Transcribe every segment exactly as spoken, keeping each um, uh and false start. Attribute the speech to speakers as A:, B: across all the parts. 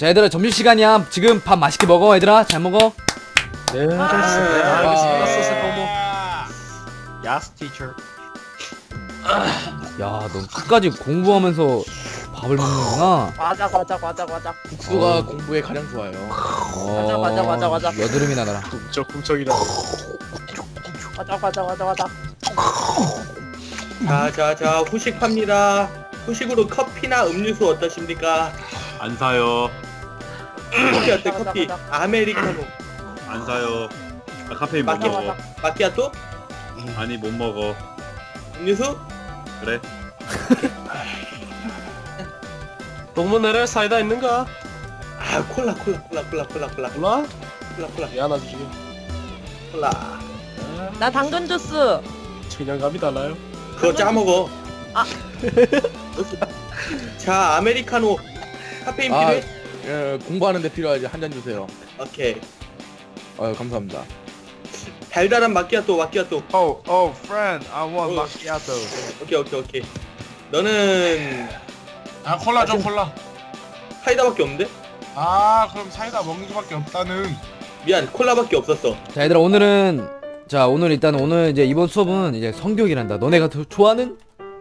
A: 자 얘들아 점심시간이야. 지금 밥 맛있게 먹어 얘들아. 잘 먹어.
B: 네,
C: 알겠습니다. 알겠습니다. 스세도모.
B: 야스 티처.
A: 야 넌 끝까지 공부하면서 밥을 먹는구나.
C: 맞아 맞아 맞아 맞아.
B: 국수가
A: 어.
B: 공부에 가장 좋아요.
A: 어,
C: 맞아, 맞아, 맞아, 맞아.
A: 여드름이 나더라.
B: 저 꿈쩍이라.
C: 맞아 맞아 맞아 맞아.
D: 자자자 후식 팝니다. 후식으로 커피나 음료수 어떠십니까?
E: 안 사요.
D: 커피 어때?
C: 맞아,
D: 커피
C: 맞아.
D: 아메리카노
E: 안 사요. 아, 카페인 못
D: 맞아,
E: 먹어.
C: 맞아.
D: 마키아토
E: 아니 못 먹어.
D: 음료수
E: 그래?
B: 동문회를 사이다 있는가?
D: 아 콜라 콜라 콜라 콜라 콜라 콜라
B: 몰라?
D: 콜라 콜라
B: 미안하지 지금.
D: 콜라
C: 나 당근 주스.
B: 청량감이 달라요.
D: 그거 짜 먹어.
C: 아.
D: 자 아메리카노 카페인
F: 아,
D: 필요해?
F: 예, 공부하는데 필요하지. 한 잔 주세요.
D: 오케이.
F: 아유, 감사합니다.
D: 달달한 마키아토 마키아토.
G: Oh, oh, friend, I want
D: Oh.
G: macchiato.
D: 오케이 오케이 오케이. 너는
H: 아 콜라 좀 콜라.
D: 사이다밖에 없는데?
H: 아 그럼 사이다 먹는 수밖에 없다는.
D: 미안 콜라밖에 없었어.
A: 자 얘들아 오늘은 자 오늘 일단 오늘 이제 이번 수업은 이제 성교육이란다. 너네가 더 좋아하는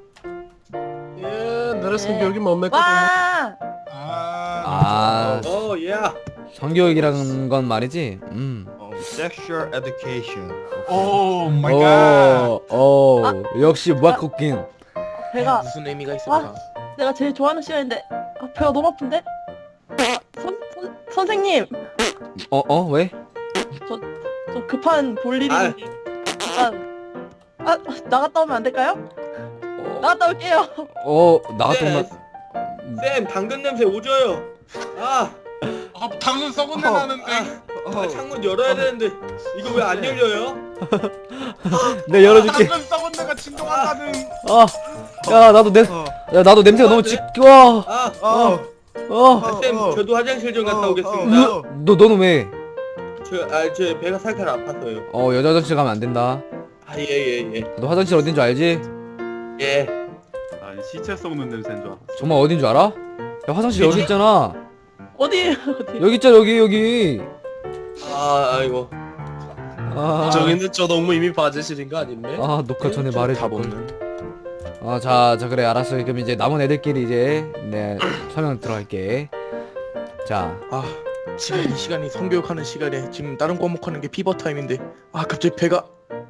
B: 예, 너의 성격이 뭡니까?
C: 와.
H: 아,
A: 아
D: 어 예.
A: 성교육이라는 건 말이지. 음.
G: Oh, sexual education.
H: 오 마이 갓.
A: 어, 어, 역시 무학 쿠킹.
C: 배가
F: 무슨 의미가 있을까?
C: 내가 제일 좋아하는 시간인데 아, 배가 너무 아픈데. 선, 선 선생님
A: 어, 어, 왜?
C: 저 급한 볼 일이
D: 아.
C: 있는데 잠깐 아 나갔다 오면 안 될까요?
A: 어,
C: 나갔다 올게요.
A: 어 나갔다
D: 네.
A: 오면
D: 쌤 당근 냄새 오져요. 아,
H: 아 당근 썩은 내 나는데.
D: 아 창문 열어야 되는데 이거 왜 안 열려요?
A: 내 열어줄게.
H: 당근 썩은 내가 진동한다는.
A: 아, 야 나도 냄, 야 나도 냄새가 너무 지겨워.
D: 아,
A: 어, 어,
D: 아, 쌤 저도 화장실 좀 갔다 오겠습니다.
A: 으, 너 너는 왜?
D: 저, 아, 저 배가 살짝 아파서요.
A: 어 여자 화장실 가면 안 된다.
D: 아, 예, 예, 예.
A: 너 화장실 어딘 줄 알지?
D: 예.
E: 아니 시체 썩는 냄새인 줄 알았어.
A: 정말 어딘 줄 알아? 야 화장실 여기 있잖아.
C: 어디 어디?
A: 여기 있잖아 여기 여기.
D: 아, 아이고.
A: 아,
B: 저기는 저 동무 이미 바제실인 거 아닌데?
A: 아 녹화 전에 말해.
F: 다 먹는.
A: 아자 자 그래 알았어. 그럼 이제 남은 애들끼리 이제 네 설명 들어갈게. 자
F: 아, 지금 이 시간이 성교육하는 시간에 지금 다른 과목 하는 게 피버 타임인데 아 갑자기 배가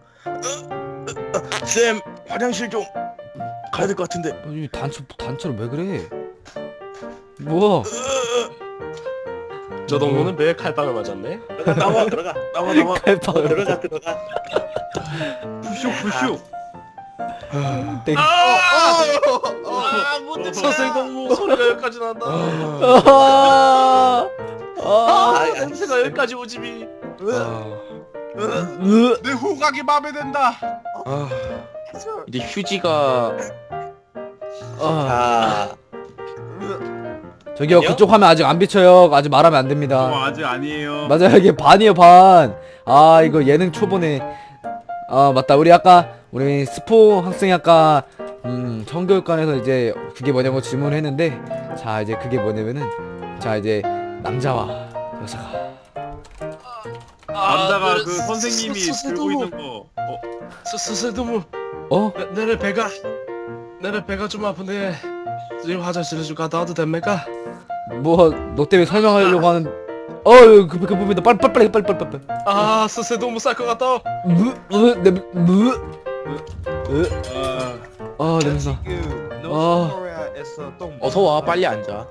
F: 쌤 화장실 좀 가야 될 것 같은데.
A: 어, 이 단체 단체로 왜 그래? 뭐?
B: 저 동무는 배에 칼빵을 맞았네.
D: 들어가, 나와, 들어가.
F: 나와 나와.
A: 칼빵을
D: 들어가, 들어가.
E: 푸슉 푸슉.
A: 땡.
H: 아 뭔데?
B: 선생 동무 소리가 여기까지 난다.
A: 아, 아,
D: 아, 아,
B: 냄새가 여기까지 오지미.
A: 으,
H: 내 후각이 마음에 든다.
F: 아, 이제 휴지가
A: 아.
D: 자,
A: 저기요
D: 아니요?
A: 그쪽 화면 아직 안 비쳐요. 아직 말하면 안
E: 저
A: 됩니다.
E: 아직 아니에요.
A: 맞아요 이게 반이에요 반. 아 이거 예능 초보네. 아 맞다 우리 아까 우리 스포 학생이 아까 음 성교육관에서 이제 그게 뭐냐고 질문을 했는데 자 이제 그게 뭐냐면은 자 이제 남자와 여자가
E: 남자가 그 선생님이 들고 있는 거. 어,
B: 선생 동무.
A: 어?
B: 내내 배가 내내 배가 좀 아픈데 지금 화장실에 좀 갔다 와도 됩니까?
A: 뭐 너 때문에 설명하려고 하는 어그 그 부분이다. 빨리 빨리 빨리 빨리 빨리 빨리.
B: 아 선생 동무 쌀 것 같다.
A: 무무무무아
E: 어,
A: 냄새.
G: You, no
A: 아.
G: Korea is a 동.
F: 어서 와 빨리 앉아.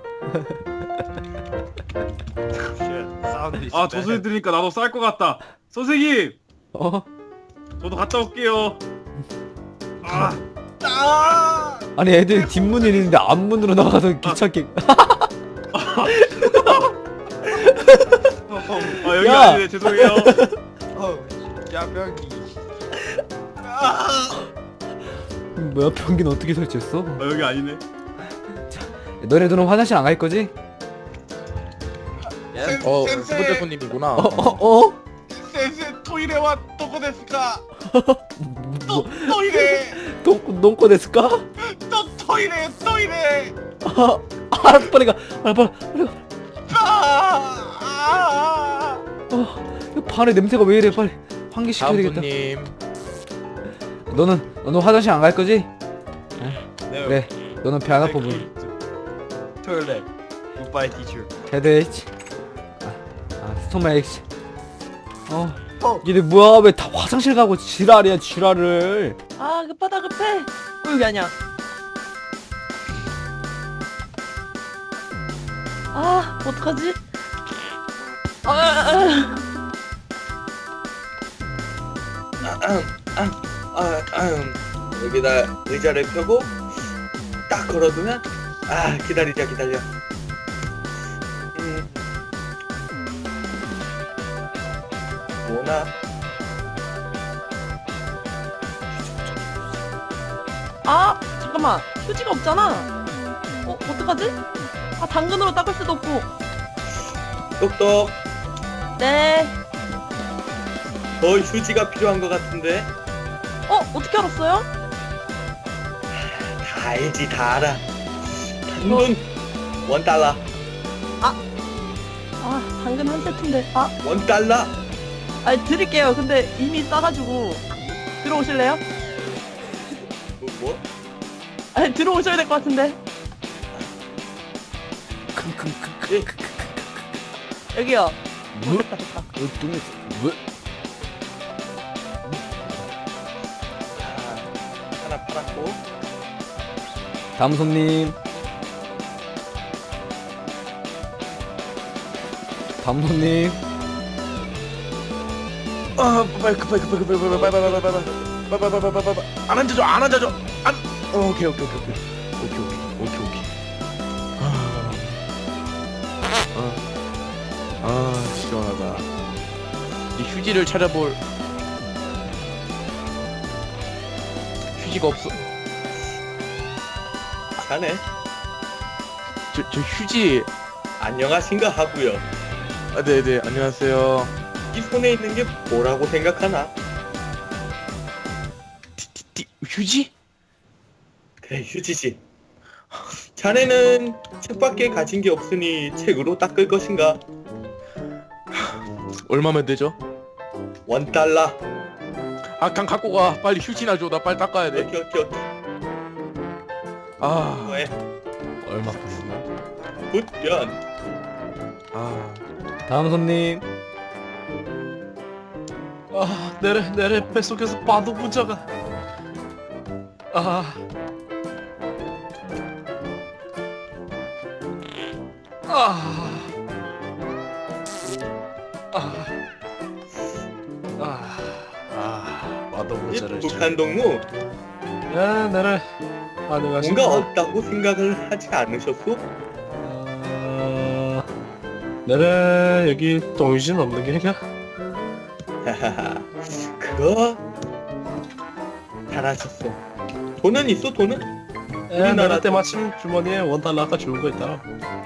G: Shit, sound is
E: 아, 저 소리 들으니까 나도 쌀 것 같다. 선생님,
A: 어?
E: 저도 갔다 올게요. 아,
H: 아.
A: 아니 애들 뒷문이 있는데 앞문으로 나가서 귀찮게.
E: 아 여기
A: 야!
E: 아니네. 죄송해요.
G: Oh, 야병이.
A: 뭐야 변기는 어떻게 설치했어?
E: 아 여기 아니네.
A: 너네들은 화장실 안 갈 거지?
H: 센-
F: 어, 두
H: 센세.
F: 번째 손님이구나.
A: 어? 어? 어?
H: 센세 토이레와 도코 데스까?
A: 뭐,
H: 토이레.
A: 똥, 똥꼬 데스까?
H: 또 토이레 토이레.
A: 아, 알았어 빨리 가 빨리 빨리 빨리 가
H: 아.
A: 안에 냄새가 왜 이래? 빨리
F: 다음
A: 환기시켜야겠다.
F: 손님.
A: 너는 너는 화장실 안 갈 거지?
G: No.
A: 그래. 너는 배 안 아파 보이.
G: Toilet. Goodbye, teacher.
A: 헤드에이치. 아, 아 스토맥. 어.
G: 어.
A: 얘네 뭐야? 왜 다 화장실 가고 지랄이야 지랄을.
C: 아 급하다 급해. 어, 여기 아니야. 아 어떡하지? 아, 아,
D: 아, 아, 아, 아, 여기다 의자를 펴고 딱 걸어두면 아 기다리자 기다려. 음. 뭐나?
C: 아 잠깐만 휴지가 없잖아. 어 어떡하지? 아 당근으로 닦을 수도 없고.
D: 똑똑.
C: 네.
D: 너 휴지가 필요한 것 같은데.
C: 어 어떻게 알았어요?
D: 다 알지 다 알아. 당근 원 달러
C: 아 당근 한 세트인데. 아
D: 원 달러.
C: 아니 드릴게요. 근데 이미 싸가지고 들어오실래요?
D: 뭐? 뭐?
C: 아니 들어오셔야 될 것 같은데.
D: 예.
C: 여기요.
A: 뭐?
C: 됐다 됐다.
A: 뭐?
D: 아, 하나 팔았고.
A: 다음 손님. 다음 손님.
F: 아 빨리 급하게 급하게 급하게 빨리 빨리 빨리 빨리 빨리 빨리 빨리 빨리 빨리 빨리 안 앉아줘 안 앉아줘 안 어, 오케이 오케이 오케이 오케이 오케이 오케이 오케이 오케이 아, 아, 아 시원하다. 이 휴지를 찾아볼 휴지가 없어.
D: 자네
F: 저, 저 휴지.
D: 안녕하신가 하고요.
F: 아 네네 안녕하세요.
D: 이 손에 있는 게 뭐라고 생각하나?
F: 띠, 휴지?
D: 그래 휴지지. 자네는 책밖에 가진 게 없으니 책으로 닦을 것인가?
F: 얼마면 되죠?
D: 원 달러.
F: 아 그냥 갖고 가. 빨리 휴지나 줘. 나 빨리 닦아야 돼.
D: 오케이 오케이 오케이.
F: 아,
D: 뭐해?
A: 얼마 푸는
D: 굿연.
F: 아.
A: 다음 손님.
B: 아 내래 내래 뱃속에서 바도 부자가. 아. 아. 아. 아. 아. 바도
D: 이
B: 부자를.
D: 북한 동무
B: 야 내래. 안녕하십니까.
D: 뭔가 없다고 생각을 하지 않으셨소?
B: 어... 내래 여기 동유진 없는 게인가?
D: 하하하. 그거 잘하셨어. 돈은 있어 돈은?
B: 에
D: 우리나라
B: 내래 때마침 주머니에 원 달러가 좋은 거 있더라.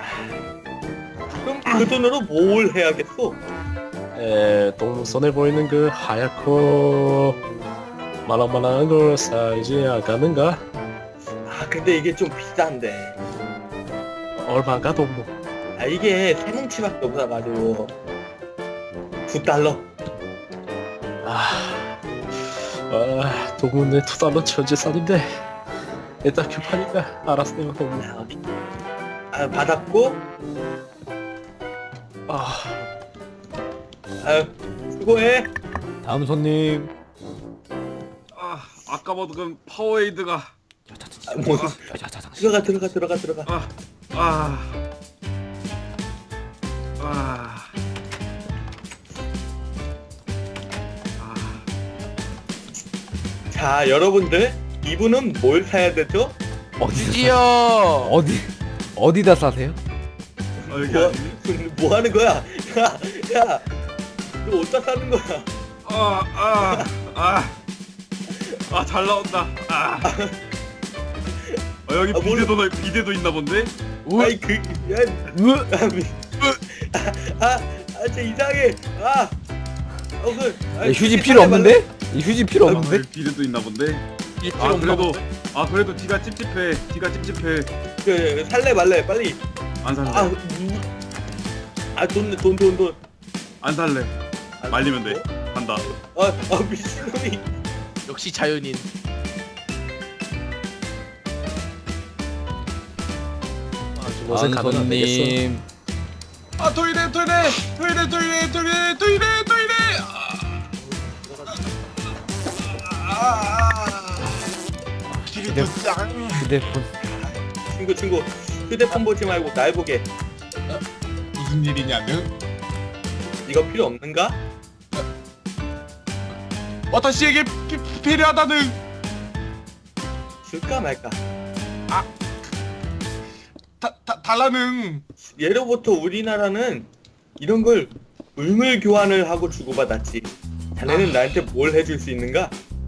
D: 그럼 그 돈으로 뭘 해야겠어?
B: 에 동선에 보이는 그 하얗고 말랑말랑한 걸 사이즈 아까는가?
D: 아 근데 이게 좀 비싼데.
B: 얼마가 동무?
D: 아 이게 세 뭉치밖에 없어가지고 구 달러.
B: 아, 아 동무 내 두 달러 천재산인데 일단 급하니까 알았어요 동무.
D: 아, 오케이. 아 받았고.
B: 아,
D: 아유 수고해.
A: 다음 손님.
E: 아 아까 먹은 파워에이드가
D: 아, 뭐 들어가 들어가 들어가 들어가.
E: 아 아. 아. 아.
D: 자 여러분들 이분은 뭘 사야 되죠?
A: 어디서
F: 휴지요.
A: 사- 어디 어디다 사세요?
E: 아 여기
D: 뭐,
E: 아니니?
D: 뭐 하는 거야? 야야 너 어디다 사는 거야?
E: 아, 아, 아, 아, 잘 나온다. 아, 아 여기
D: 아, 뭘-
E: 비데도 비데도 있나 본데?
D: 아이 그 야,
A: 으,
D: 아, 미, 아, 아, 아, 진짜 이상해. 아, 어, 그, 아,
A: 야, 휴지 필요
D: 빨리,
A: 없는데? 이 휴지 필요
E: 아,
A: 없는데?
E: 여기 비데도 있나 본데?
F: 이 필요
E: 아
F: 없나
E: 그래도
F: 본데?
E: 아 그래도 뒤가 찝찝해. 뒤가 찝찝해.
D: 그 살래 말래 빨리.
E: 안 살래.
D: 아, 음, 아, 돈, 돈, 돈, 돈.
E: 안 살래. 말리면 돼. 간다.
D: 아, 아 미친놈이.
F: 역시 자연인.
B: 아좀 어색하면 안 되겠어.
A: 안손님.
H: 아 토이레 토이레 토이레 토이레 토이레 토이레 토이레. 아. 기리토 짱.
A: 휴대폰.
D: 친구 친구 휴대폰 보지 말고 날 보게.
H: 무슨 일이냐는?
D: 이거 필요 없는가?
H: 와타시에게 피, 필요하다는.
D: 줄까 말까?
H: 다, 다, 달라는.
D: 예로부터 우리나라는 이런 걸 물물 교환을 하고 주고받았지. 자네는 나한테 뭘 해줄 수 있는가?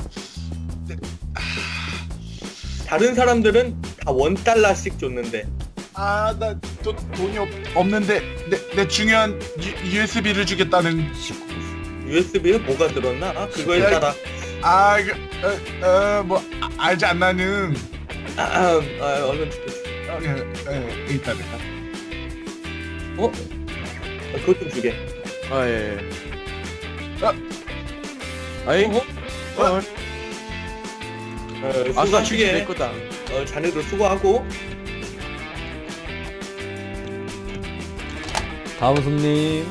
D: 다른 사람들은 다 원 달러씩 줬는데
H: 아나 돈이 없, 없는데 내, 내 중요한 유, 유에스비를 주겠다는.
D: 유에스비에 뭐가 들었나? 아, 그거에
H: 야,
D: 따라
H: 아, 그, 어, 어, 뭐 아, 알지 않나는.
D: 아, 아, 아 얼른 주겠어.
H: 어, 예, 예, 일단은.
D: 어? 아, 그것 좀 주게.
F: 아 예. 예.
H: 어?
F: 아이.
D: 어?
F: 어.
D: 어,
F: 아싸
D: 수고
F: 주게 내
D: 주게.
F: 거다.
D: 어, 자네도 수고하고.
A: 다음 손님.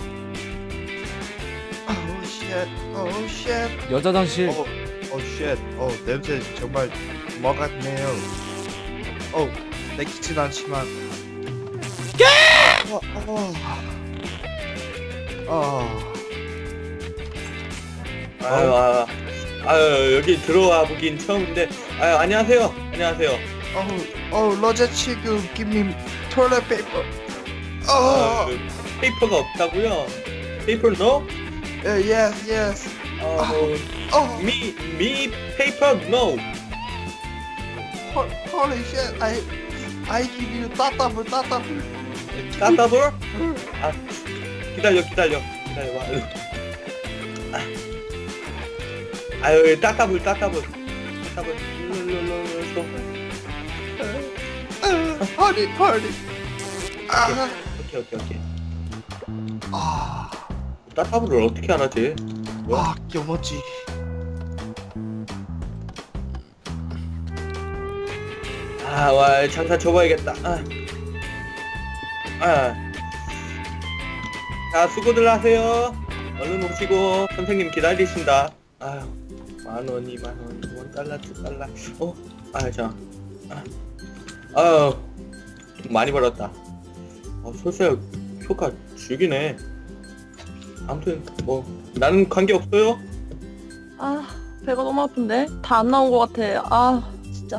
I: 오우 쉣, 오우 쉣,
A: 여자 장실.
I: 어, 오 쉣, 어 냄새 정말 뭐 같네요. 어, 내키진 않지만. 어, 어, 어,
D: 아유, 아, 아유, 여기 들어와 보긴 처음인데. 아유, 안녕하세요. 안녕하세요.
I: 어우, 어우, 로제 치구, give me toilet paper.
D: 아,
I: 어,
D: 그 페이퍼가 없다고요? 페이퍼 no?
I: 예, yes, yes.
D: 어, 뭐,
I: 어,
D: me, me paper no.
I: ho- holy shit, I, I give you 따따블, 따따블.
D: 따따돌? 아, 기다려, 기다려, 기다려 봐. 아, 아유, 따따불, 따따불, 따따불. 룰룰룰룰.
I: 허리, 허리. 아,
D: 오케이, 오케이, 오케이.
I: 아,
D: 따따불을 어떻게 하나지?
I: 와, 껴머지.
D: 아, 와, 장사 접어야겠다. 아, 아. 자, 수고들 하세요. 얼른 오시고 선생님 기다리신다. 아유, 만 원, 이만 원, 원 달러, 두 달러. 어, 아, 자, 아, 아유, 돈 많이 벌었다. 어, 솔직히 효과 죽이네. 아무튼 뭐 나는 관계 없어요.
C: 아 배가 너무 아픈데 다 안 나온 것 같아. 아 진짜.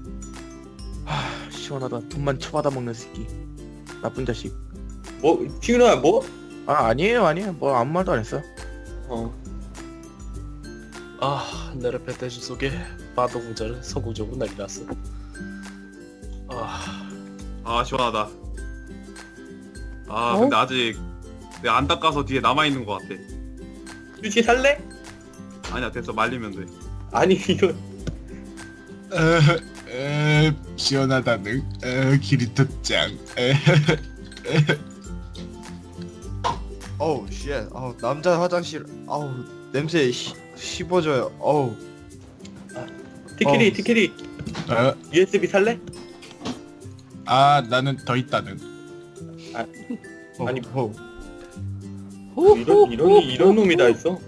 F: 하 시원하다. 돈만 쳐받아 먹는 새끼. 나쁜 자식.
D: 뭐, 지훈아, 뭐?
F: 아 아니에요 아니에요. 뭐 아무 말도 안 했어.
D: 어,
B: 아 네르페테주 속에 바도 공자를 성공적으로 난리 났어. 아
E: 아 시원하다. 아
C: 어?
E: 근데 아직 내가 안 닦아서 뒤에 남아 있는 것 같아.
D: 휴지 살래?
E: 아니야 됐어 말리면 돼.
D: 아니 이런.
H: 어, 어, 시원하다는. 어, 기리토 짱. 에,
I: 어우 쉣, 어우 남자 화장실, 어우 냄새 시, 씹어져요. 어우.
D: 티키리,
I: 어.
D: 티키리.
H: 어,
D: 유에스비 살래?
H: 아 나는 더 있다는.
I: 어,
D: 아니,
I: 어.
D: 이런 이런 이런 놈이 다 있어.